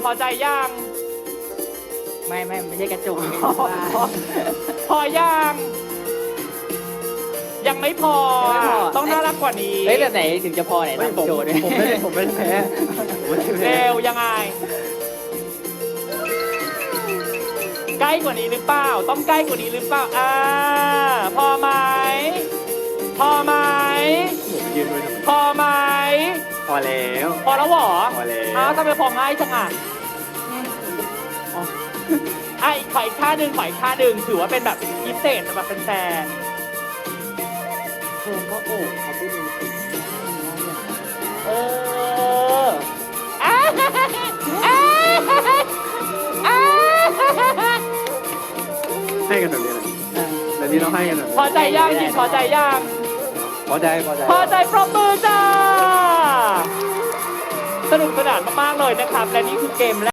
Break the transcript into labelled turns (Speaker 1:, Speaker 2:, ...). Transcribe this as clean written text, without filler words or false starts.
Speaker 1: อใจยัง
Speaker 2: ไม่ใช่กระจก
Speaker 1: พอยังยังไม่พอ
Speaker 2: ยังไม่พอ
Speaker 1: ต้องน่ารักกว่านี้
Speaker 2: เฮ้ยแบบไหนถึงจะพอไหน
Speaker 3: ไม่
Speaker 2: ทำโชว์ด้วย
Speaker 3: ผมไม่ได้แพ้ผมไม่ได้แพ้
Speaker 1: เร็วยังไงใกล้กว่านี้หรือเปล่าต้องใกล้กว่านี้หรือเปล่าพอไหมพอไหม
Speaker 3: ผมยืนไว้ทำไม
Speaker 1: พอไหม
Speaker 3: พอแล้ว
Speaker 1: พอแล้วเหรอ
Speaker 3: พอแล้ว
Speaker 1: อ้าวทำไมพอง่ายจังอ่ะอีกขออีกท่าหนึ่งขออีกท่าหนึ่งถือว่าเป็นแบบพิเศษสำหรับแฟน
Speaker 2: เธอก็โอบเขาไปดูสิ
Speaker 1: ๆอ้าอ้า
Speaker 3: ให้กันแบบนี้แหละแบบนี้เราให้กันแบบ
Speaker 1: พอใจยังจิตพอใจยัง
Speaker 3: พอใจพอใจ
Speaker 1: พอใจปรบมือจ้า สนุกสนานมากๆเลยนะครับ และนี่คือเกมแรก